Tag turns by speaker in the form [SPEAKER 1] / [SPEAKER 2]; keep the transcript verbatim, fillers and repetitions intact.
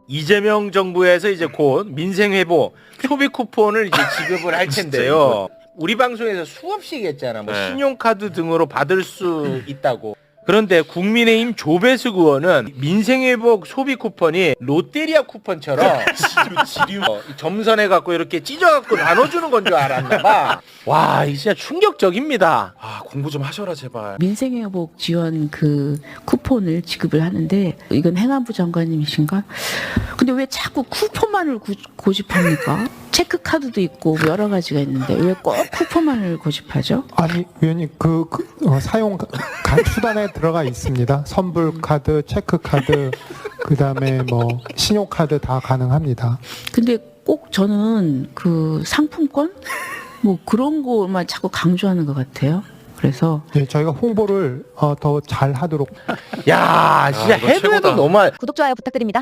[SPEAKER 1] 이재명 정부에서 이제 곧 민생회복 소비 쿠폰을 이제 지급을 할 텐데요. 우리 방송에서 수없이 얘기했잖아. 뭐
[SPEAKER 2] 네.
[SPEAKER 1] 신용카드 등으로 받을 수 있다고. 그런데 국민의힘 조배수 의원은 민생회복 소비 쿠폰이 롯데리아 쿠폰처럼 어, 점선해 갖고 이렇게 찢어 갖고 나눠주는 건 줄 알았나 봐. 와, 이게 진짜 충격적입니다.
[SPEAKER 2] 아 공부 좀 하셔라 제발.
[SPEAKER 3] 민생회복 지원 그 쿠폰을 지급을 하는데 이건 행안부 장관님이신가? 근데 왜 자꾸 쿠폰만을 구, 고집합니까? 체크카드도 있고 뭐 여러 가지가 있는데 왜 꼭 쿠폰만을 고집하죠?
[SPEAKER 4] 아니 위원님 그, 그 어, 사용 가- 수단에 들어가 있습니다. 선불 카드, 체크 카드, 그다음에 뭐 신용 카드 다 가능합니다.
[SPEAKER 3] 근데 꼭 저는 그 상품권 뭐 그런 거만 자꾸 강조하는 것 같아요. 그래서
[SPEAKER 4] 예, 저희가 홍보를 어, 더 잘 하도록
[SPEAKER 1] 야, 진짜
[SPEAKER 2] 아, 이거
[SPEAKER 1] 해도 해도
[SPEAKER 2] 최고다.
[SPEAKER 1] 너무
[SPEAKER 5] 구독, 좋아요 부탁드립니다.